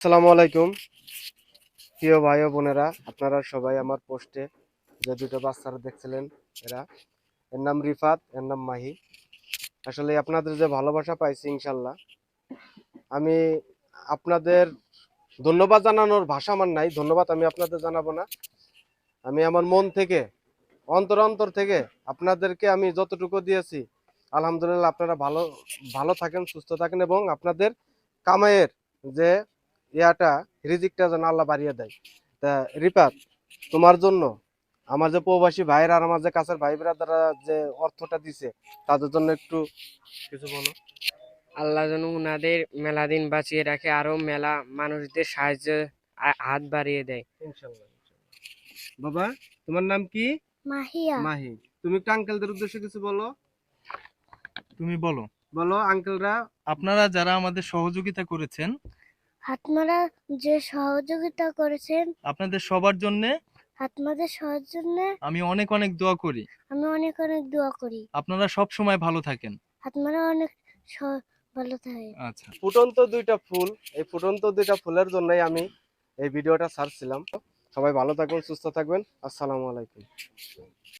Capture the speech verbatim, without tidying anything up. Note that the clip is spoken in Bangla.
আসসালামু আলাইকুম প্রিয় ভাই ও বোনেরা, আপনারা সবাই আমার পোস্টে যে দুটো বাচ্চারা দেখছিলেন, এরা এর নাম রিফাত, এর নাম মাহি। আসলে আপনাদের যে ভালোবাসা পাইছি, ইনশাল্লাহ আমি আপনাদের ধন্যবাদ জানানোর ভাষা আমার নাই। ধন্যবাদ আমি আপনাদের জানাবো না, আমি আমার মন থেকে, অন্তর অন্তর থেকে আপনাদেরকে আমি যতটুকু দিয়েছি, আলহামদুলিল্লাহ আপনারা ভালো ভালো থাকেন, সুস্থ থাকেন এবং আপনাদের কামাইয়ের যে ইয়াটা, রিজিকটা যেন আল্লাহ বাড়িয়ে দেয়। তা রিপাত, তোমার জন্য আমার যে প্রবাসী ভাইয়ের আর আমার যে কাছের ভাই ব্রাদাররা যে অর্থটা দিছে, তাদের জন্য একটু কিছু বলো। আল্লাহ যেন উনাদের মেলা দিন বাঁচিয়ে রাখে, আরো মেলা মানুষদের সাহায্যে আ- হাত বাড়িয়ে দেয়। ইনশাল্লাহ ইনশাল্লাহ। বাবা, তোমার নাম কি? মাহিয়া। মাহি। তুমি একটু আঙ্কেলদের উদ্দেশ্যে কিছু বলো। তুমি বলো। বলো আঙ্কেলরা। আপনারা যারা আমাদের সহযোগিতা করেছেন, আপনারা যে সহযোগিতা করেছেন, আপনাদের সবার জন্য আপনাদের সবার জন্য আমি অনেক অনেক দোয়া করি। আমি অনেক অনেক দোয়া করি। আপনারা সব সময় ভালো থাকেন। আপনারা অনেক স- ভালো থাকেন। আচ্ছা। ফুটন্ত দুইটা ফুল, এই ফুটন্ত দুইটা ফুলের জন্যই আমি এই ভিডিওটা ছাড়ছিলাম। সবাই ভালো থাকবেন, সুস্থ থাকবেন। আসসালামু আলাইকুম।